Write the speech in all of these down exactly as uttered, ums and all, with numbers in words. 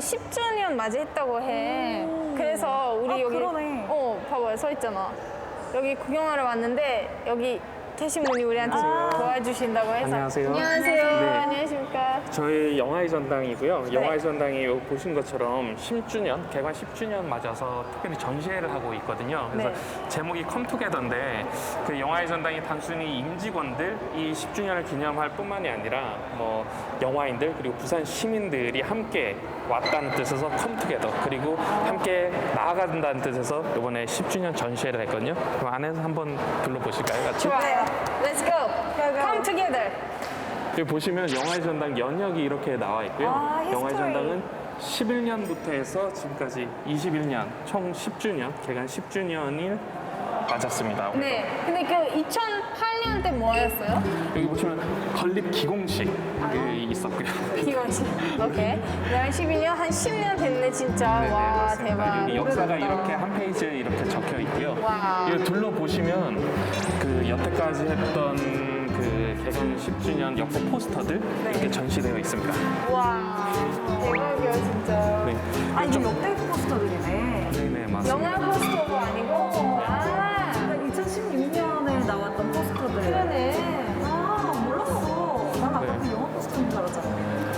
십 주년 맞이했다고 해. 그래서 우리 아, 여기 그러네. 어 봐봐요, 서 있잖아. 여기 구경하러 왔는데 여기 계신 분이 우리한테 도와주신다고 해서. 안녕하세요. 안녕하세요. 네. 안녕하십니까. 저희 영화의 전당이고요. 네. 영화의 전당이 여기 보신 것처럼 십 주년, 개관 십 주년 맞아서 특별히 전시회를 하고 있거든요. 그래서 네. 제목이 컴투게더인데 그 영화의 전당이 단순히 임직원들 이 십 주년을 기념할 뿐만이 아니라 뭐 영화인들 그리고 부산 시민들이 함께 왔다는 뜻에서 컴투게더 그리고 함께 나아간다는 뜻에서 이번에 십 주년 전시회를 했거든요. 그럼 안에서 한번 둘러보실까요, 같이? 좋아요. Let's go. Come together. 여기 보시면 영화의 전당 연역이 이렇게 나와 있고요. 아, 영화의 히스토리. 전당은 십일 년부터 해서 지금까지 이십일 년, 총 십 주년, 개관 십 주년을 맞았습니다. 네. 근데 그 이천팔 년 때 뭐였어요? 여기 보시면 건립 기공식이 있었고요. 기관식. 오케이. 그냥 십일 년, 한 십 년 됐네, 진짜. 네네, 와, 맞습니다. 대박. 여기 역사가 오래됐다. 이렇게 한 페이지에 이렇게 적혀 있고요. 와. 이거 둘러보시면 그 여태까지 했던 그 개관 십 주년 역사 포스터들 이렇게 전시되어 있습니다. 와, 대박이야, 진짜. 네. 아, 이게 좀- 역대 포스터들이네. 네네, 맞습니다. 영화 포스터가 아니고, 아, 이천십육 년에 나왔던 포스터들. 그러네. 아, 몰랐어. 난 아까 네. 그 영화 포스터인 줄 알았잖아.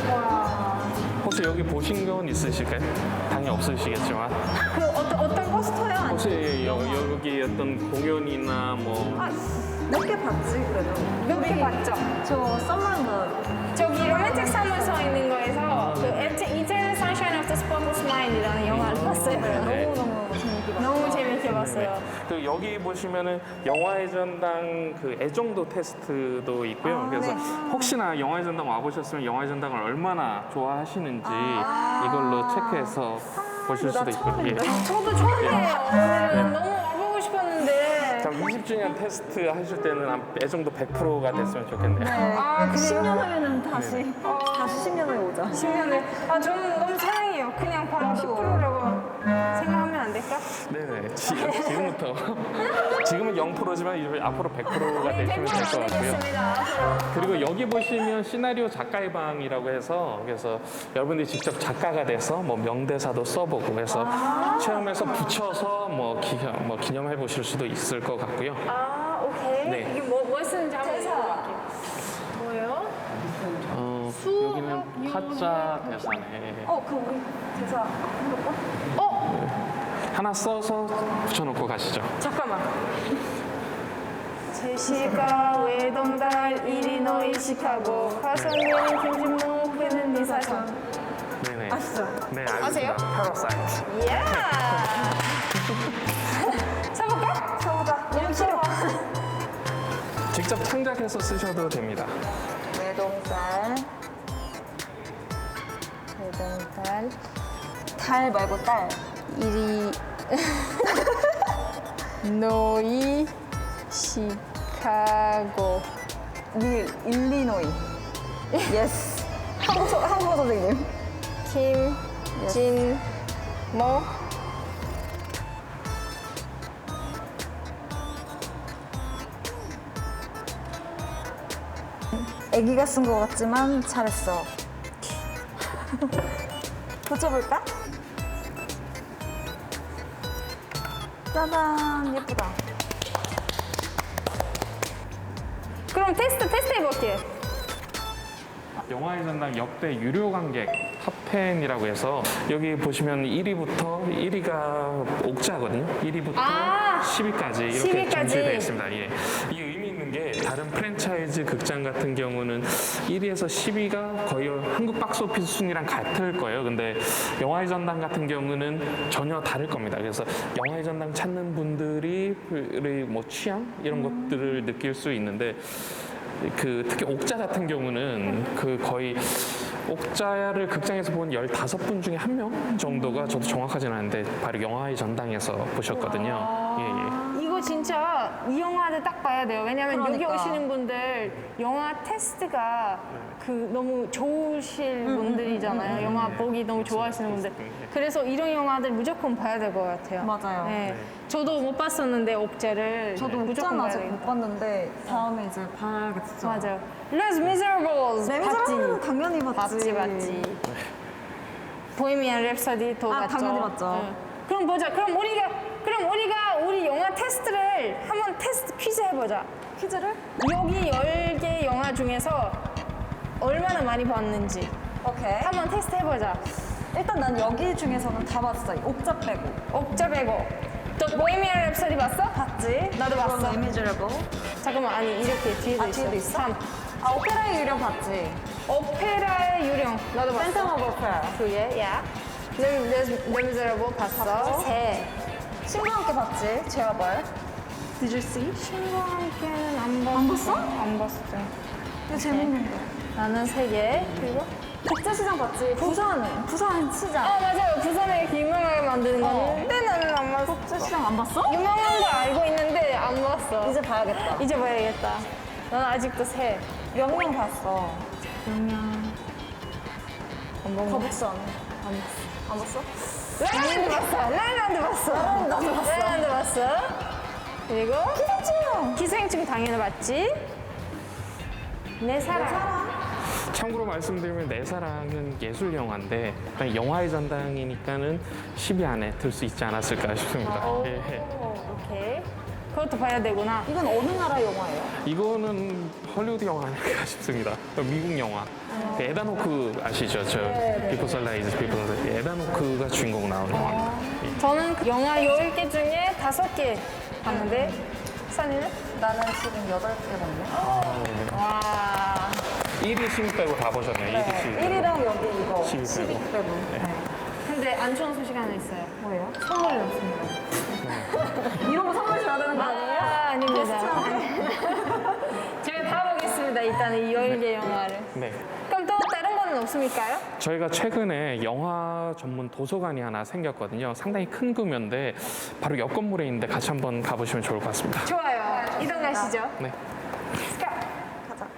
와. 혹시 여기 보신 건 있으실까요? 당연히 없으시겠지만 그 어떤, 어떤 포스터요? 아니, 혹시 여, 여기 어떤 공연이나 뭐 아, 몇 개 봤지, 그래도. 몇개 봤죠? 저 썸머인가. 저기 로맨틱 사물 서 있는 거에서 그 Eternal Sunshine of the Spotless Mind이라는 영화를 봤어요. 네. 너무너무 재밌게 봤어. 너무 재밌게 봤어요. 그 여기 보시면은 영화의 전당 그 애정도 테스트도 있고요. 아, 그래서 네. 혹시나 영화의 전당 와보셨으면 영화의 전당을 얼마나 좋아하시는지 아. 이걸로 체크해서 보실 나 수도 있고요. 예. 처음인데? 저도 처음이에요. 오늘은 너무 와보고 싶었는데. 참 이십 주년 테스트 하실 때는 한 애정도 백 퍼센트가 됐으면 좋겠네요. 아, 그래요? 십 년 후에는 다시, 다시 십 년 후에 오자. 십 년을. 아, 저는 너무 사랑해요. 그냥 바로 십 퍼센트라고 생각하면 안 될까? 네네. 지, 지금부터 지금은 영 퍼센트지만 이제 앞으로 백 퍼센트가 네, 되시면 될 것 같고요. 되겠습니다. 앞으로. 그리고 여기 보시면 시나리오 작가의 방이라고 해서 그래서 여러분들이 직접 작가가 돼서 뭐 명대사도 써보고 그래서 체험해서 붙여서 뭐, 기, 뭐 기념해 보실 수도 있을 것 같고요. 아, 오케이. 네. 이게 뭐, 뭐 쓰는지 한번 대사. 읽어볼게요. 뭐예요? 어, 수학 여기는 타짜 대사네. 어, 그 우리 대사 한번 어? 하나 써서 붙여놓고 가시죠. 잠깐만. 제시가 외동달 일리노이 시카고 화성인 김진모 회는 미사선. 네네. 아시죠? 네, 아세요? 알겠습니다. 파라사이트. 이야. 써볼까? 서우다. 너무 싫어. 직접 창작해서 쓰셔도 됩니다. 외동딸. 외동딸. 달 말고 딸. 이리 노이 시카고. 미 일리노이. 예스. 한국, 서- 한국어 선생님. 김진모 애기가 쓴 것 같지만 잘했어. 붙여볼까? 짜잔, 예쁘다. 그럼 테스트 테스트 해볼게요. 영화의 전당 역대 유료 관객 탑텐이라고 해서 여기 보시면 일 위부터 일 위가 옥자거든요. 일 위부터 아, 십 위까지 이렇게 십 위까지. 전시되어 있습니다. 예. 이 의미 있는 게 다른 프랜차이즈 극장 같은 경우는 일 위에서 십 위가 거의 한국 박스오피스 순위랑 같을 거예요. 근데 영화의 전당 같은 경우는 전혀 다를 겁니다. 그래서 영화의 전당 찾는 분들이 뭐 취향 이런 것들을 느낄 수 있는데 그 특히 옥자 같은 경우는 그 거의 옥자를 극장에서 본 열다섯 분 중에 한 명 정도가 저도 정확하진 않은데 바로 영화의 전당에서 보셨거든요. 예, 예. 이거 진짜 이 영화를 딱 봐야 돼요. 왜냐면 여기 그러니까. 오시는 분들 영화 테스트가 그 너무 좋으실 분들이잖아요. 영화 보기 너무 좋아하시는 분들. 그래서 이런 영화들 무조건 봐야 될 것 같아요. 맞아요. 네. 저도 못 봤었는데 옥자를 저도 무조건 옥자는 봐야 아직 돼요. 못 봤는데 다음에 이제 봐야겠죠. 맞아요. Les Miserables 네, 봤지? 미즈라블은 당연히 봤지. 봤지 봤지. 보헤미안 랩소디도 아, 봤죠. 당연히 봤죠. 네. 그럼 보자. 그럼 우리가 그럼 우리가 우리 영화 테스트를 한번 테스트 퀴즈 해보자. 퀴즈를? 여기 열 개 영화 중에서 얼마나 많이 봤는지 오케이. 한번 테스트 해보자. 일단 난 여기 중에서는 다 봤어. 옥자 빼고. 옥자 빼고. 또 보헤미안 랩소디 봤어? 봤지? 나도 봤어. 이미지러블. 잠깐만 아니 이렇게 뒤에도 아, 있어. 뒤에도 있어? 삼. 아, 오페라의 유령 봤지? 오페라의 유령 나도 봤어. 팬텀 오브 오페라. 두 개, 야. 레미제라블 봤어. 세. 친구와 함께 봤지? 제어벌. Did you see? 친구와 함께는 안 봤어. 안 봤어? 안 봤어. 이거 재밌는데. 나는 세 개. 그리고 국제시장 봤지? 부산. 부산 시장. 아 맞아요. 부산에 이렇게 유명하게 만드는 거. 어. 근데 나는 안 봤어. 국제시장 안 봤어? 유명한 거 알고 있는데 안 봤어. 이제 봐야겠다. 이제 봐야겠다. 난 아직도 세. 명령 봤어. 그냥 안 봤어. 거북선. 안 봤어. 안 봤어? 라일랜드 봤어. 라일랜드 봤어. 라일랜드 봤어. 라일랜드 봤어. 그리고 기생충. 기생충 당연히 봤지. 내 사랑. 참고로 말씀드리면 내 사랑은 예술 영화인데 그냥 영화의 전당이니까는 십 위 안에 들 수 있지 않았을까 싶습니다. 예. 오, 오케이. 그것도 봐야 되구나. 이건 어느 나라 영화예요? 이거는 헐리우드 영화 아닐까 싶습니다. 미국 영화. 그 에단 호크 아시죠? 저 비포 선라이즈 비포 에단 호크가 주인공 나오는 영화. 저는 그 영화 열 개 중에 다섯 개 봤는데 산이는? 나는 지금 여덟 개 봤네. 와. 일 위, 십 위 빼고 다 보셨네요. 일 위, 십 위. 빼고. 일이랑 여기 이거. 십 위 십 위 빼고. 빼고. 네. 근데 안 좋은 소식 하나 있어요. 뭐예요? 선물이 없습니다. 이런 거 선물 줘야 되는 거 아니에요? 아, 아닙니다. 제가 다 보겠습니다. 일단은 이 열 개 영화를. 네. 그럼 또 다른 거는 없습니까요? 저희가 최근에 영화 전문 도서관이 하나 생겼거든요. 상당히 큰 규모인데 바로 옆 건물에 있는데 같이 한번 가보시면 좋을 것 같습니다. 좋아요. 이동하시죠. 네. 가자.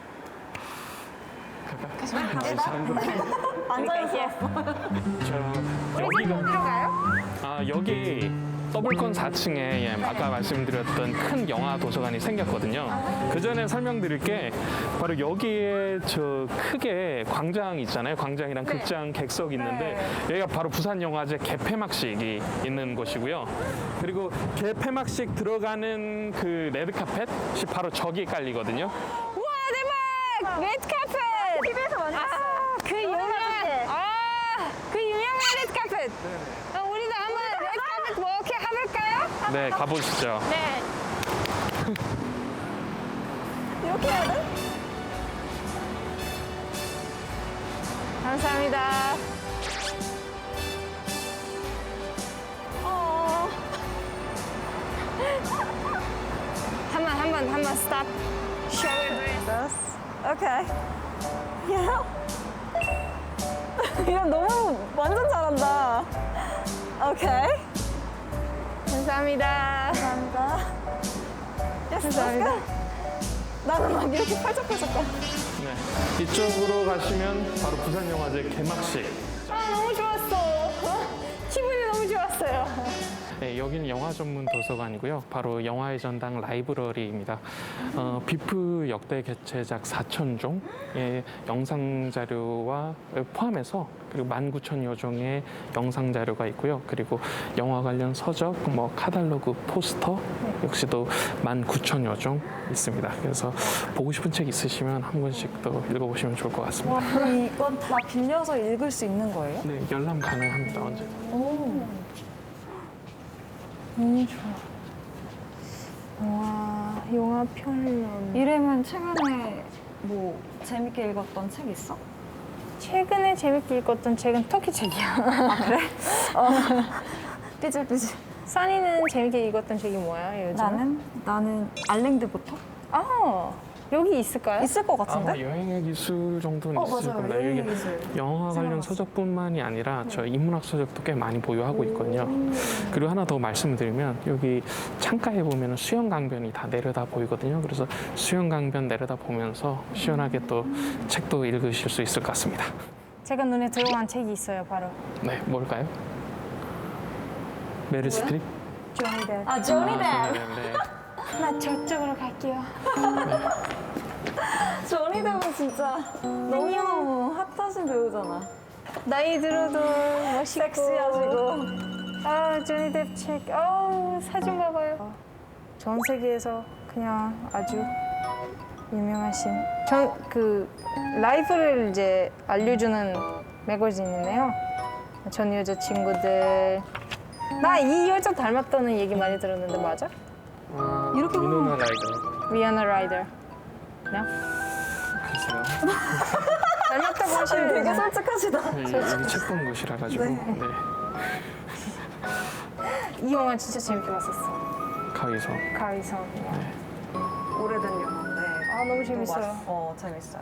앉아있어. 저 우리 집 여기가 어디로 가요? 아 여기 더블콘 사 층에 예, 아까 말씀드렸던 큰 영화 도서관이 생겼거든요. 그 전에 설명드릴 게 바로 여기에 저 크게 광장 있잖아요. 광장이랑 네. 극장 객석이 있는데 여기가 바로 부산영화제 개폐막식이 있는 곳이고요. 그리고 개폐막식 들어가는 그 레드카펫이 바로 저기에 깔리거든요. 우와 대박! 레드카펫! 티비에서 많이 봤어. 아, 그 유명한 아, 그 유명한 레드카펫. 어, 우리도 한번 레드카펫 워크 해볼까요? 네, 가보시죠. 네. 이렇게 해야 돼? 감사합니다. 어. 한번 한번 한번 스탑. 쇼를 Yes. Okay. Yeah. 이거 너무 완전 잘한다. 오케이. 감사합니다. 감사합니다. Yes, 감사합니다. let's go. 나는 막 이렇게 팔짝팔짝 거. 네. 이쪽으로 가시면 바로 부산영화제 개막식. 아 너무 좋았어. 어? 기분이 너무 좋았어요. 네, 여기는 영화 전문 도서관이고요. 바로 영화의 전당 라이브러리입니다. 어, 비프 역대 개최작 사천 종의 영상 자료와 포함해서 그리고 만 구천여 종의 영상 자료가 있고요. 그리고 영화 관련 서적, 뭐 카탈로그, 포스터 역시도 만 구천여 종 있습니다. 그래서 보고 싶은 책 있으시면 한 권씩 또 읽어보시면 좋을 것 같습니다. 와, 그럼 이건 다 빌려서 읽을 수 있는 거예요? 네, 열람 가능합니다. 언제? 오. 너무 좋아. 와 영화 편론. 이름은 최근에 뭐 재밌게 읽었던 책 있어? 최근에 재밌게 읽었던 책은 터키 책이야. 어. 삐질삐질. 써니는 재밌게 읽었던 책이 뭐야 요즘? 나는 나는 알랭드부터 아 여기 있을까요? 있을 것 아마 같은데? 여행의 기술 정도는 어, 있을 맞아요. 겁니다. 여행의 여기 기술. 영화 관련 생각났어. 서적뿐만이 아니라 저 인문학 서적도 꽤 많이 보유하고 있거든요. 그리고 하나 더 말씀드리면 여기 창가에 보면 수영 강변이 다 내려다 보이거든요. 그래서 수영 강변 내려다 보면서 시원하게 또 책도 읽으실 수 있을 것 같습니다. 제가 눈에 들어간 책이 있어요 바로. 네, 뭘까요? 메릴 스트립? 조니 뎁. 아, 조니 뎁. 네, 네. 나 저쪽으로 갈게요. 조니 뎁은 진짜 너무너무 핫하신 배우잖아. 나이 들어도 멋있고 섹시하시고. 아 조니 뎁 책. 아우 사진 봐봐요. 전 세계에서 그냥 아주 유명하신 전 그 라이프를 이제 알려주는 매거진이네요. 전 여자친구들 나 이 여자 닮았다는 얘기 많이 들었는데 맞아? 이렇게 보면 위노나 라이더. 위아나 라이더. 네? 글쎄요. 닮았다고 하시는 되게 되게 솔직하시다. 네, 여기 책 본 곳이라 가지고. 네. 이 영화 진짜 재밌게 봤었어. 가위서. 가위선. 오래된 영화인데. 아 너무 또 재밌어요. 맛- 어, 재밌어요.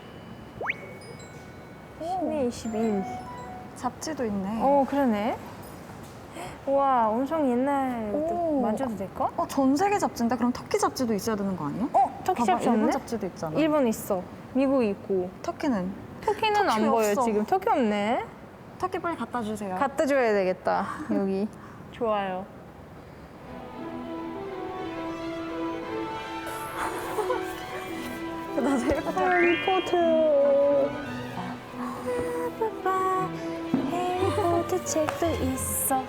십이, 이십일. 잡지도 있네. 어 그러네. 와 엄청 옛날 오. 만져도 될까? 어, 전 세계 잡지인데 그럼 터키 잡지도 있어야 되는 거 아니야? 어 터키 봐봐, 잡지 일본 없네? 잡지도 있잖아. 일본 있어. 미국 있고. 터키는? 터키는 안 터키 보여 없어. 지금. 터키 없네. 터키 빨리 갖다 주세요. 갖다 줘야 되겠다. 여기. 좋아요. 나 제일 해리포터. 해리포터 책도 있어.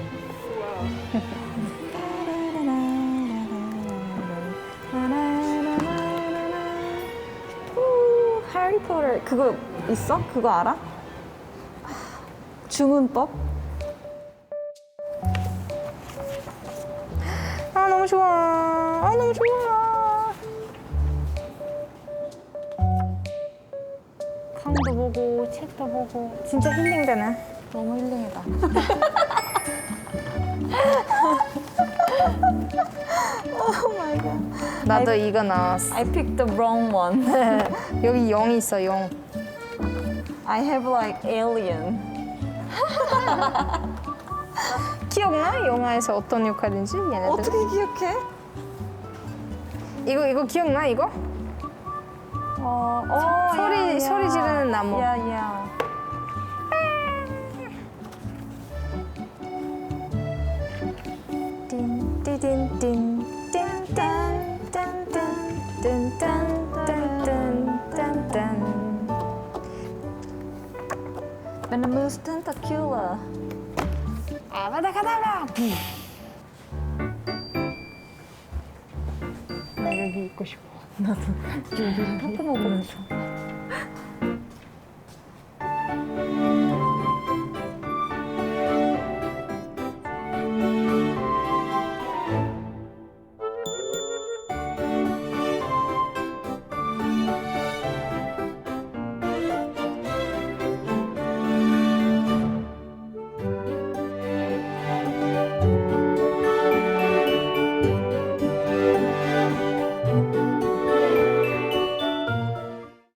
해리포터 그거 있어? 그거 알아? 주문법? 아 너무 좋아. 아 너무 좋아. 강도 보고 책도 보고 진짜 힐링되네. 너무 힐링이다. 오 마이 갓. 나도 이거 나왔어. I picked the wrong one. 여기 영이 있어 영. I have like alien. 기억나? 영화에서 어떤 역할인지 얘네들. 어떻게 기억해? 이거 이거 기억나 이거? 어, 어, 소리- 야, 야. 소리 지르는 나무. 야, 야. Venomous tentacular. 아바다카다라. 나 여기 있고 싶어. 포코모 보면서.